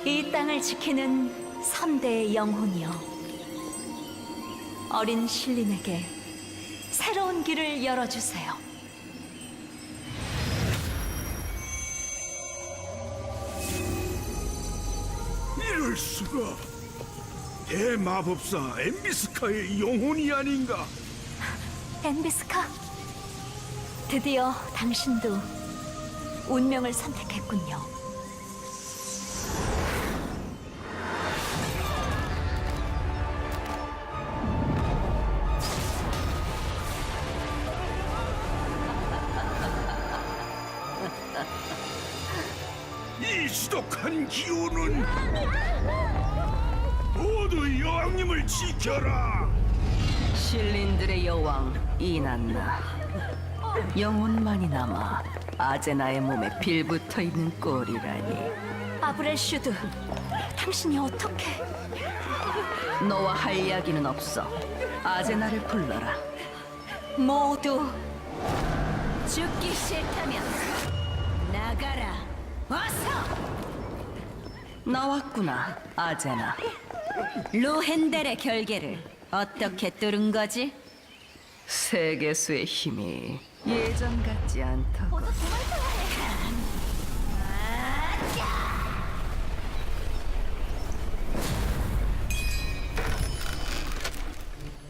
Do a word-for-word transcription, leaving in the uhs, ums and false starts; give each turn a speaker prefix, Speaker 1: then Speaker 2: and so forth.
Speaker 1: 이 땅을 지키는 선대의 영혼이여, 어린 신린에게 새로운 길을 열어주세요.
Speaker 2: 이럴 수가. 대마법사 엠비스카의 영혼이 아닌가?
Speaker 1: 엠비스카, 드디어 당신도 운명을 선택했군요.
Speaker 2: 이 지독한 기운은 모두 여왕님을 지켜라.
Speaker 3: 신린들의 여왕 이난나, 영혼만이 남아 아제나의 몸에 빌붙어 있는 꼴이라니.
Speaker 1: 아브렐슈드, 당신이 어떻게...
Speaker 3: 너와 할 이야기는 없어. 아제나를 불러라.
Speaker 1: 모두
Speaker 3: 죽기 싫다면 나가라. 어서! 나왔구나, 아제나.
Speaker 4: 로헨델의 결계를 어떻게 뚫은 거지?
Speaker 3: 세계수의 힘이 예전 같지 않다고.